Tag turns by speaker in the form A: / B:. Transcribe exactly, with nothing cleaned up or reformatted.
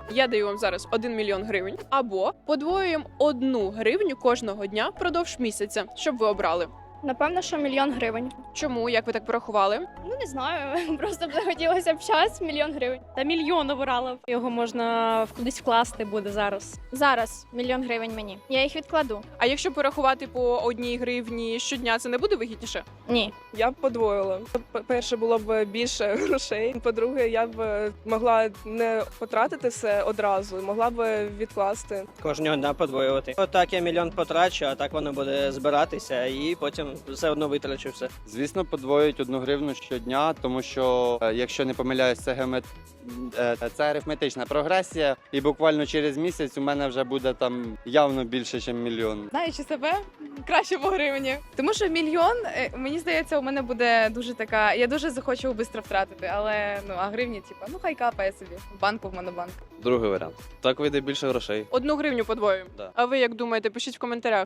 A: Я даю вам зараз один мільйон гривень, або подвоюємо одну гривню кожного дня впродовж місяця, щоб ви обрали.
B: Напевно, що мільйон гривень.
A: Чому? Як ви так порахували?
B: Ну не знаю, просто б захотілося б час, мільйон гривень.
C: Та мільйон обирала. Його можна в- кудись вкласти буде зараз.
B: Зараз мільйон гривень мені. Я їх відкладу.
A: А якщо порахувати по одній гривні щодня, це не буде вигідніше?
B: Ні.
D: Я б подвоїла. П- Перше, було б більше грошей. По-друге, я б могла не потратити все одразу, могла б відкласти.
E: Кожного дня подвоювати. Отак я мільйон потрачу, а так воно буде збиратися і потім все одно витрачу все.
F: Звісно, подвоюють одну гривну щодня, тому що, е, якщо не помиляюсь, це геомет... е, це арифметична прогресія, і буквально через місяць у мене вже буде там явно більше, ніж мільйон.
G: Знаючи себе, краще по гривні. Тому що мільйон, е, мені здається, у мене буде дуже така. Я дуже захочу швидко втратити, але ну а гривні, типу, ну хай капає собі. В банку в монобанк.
H: Другий варіант. Так вийде більше грошей.
A: Одну гривню подвоюємо.
H: Да.
A: А ви як думаєте? Пишіть в коментарях.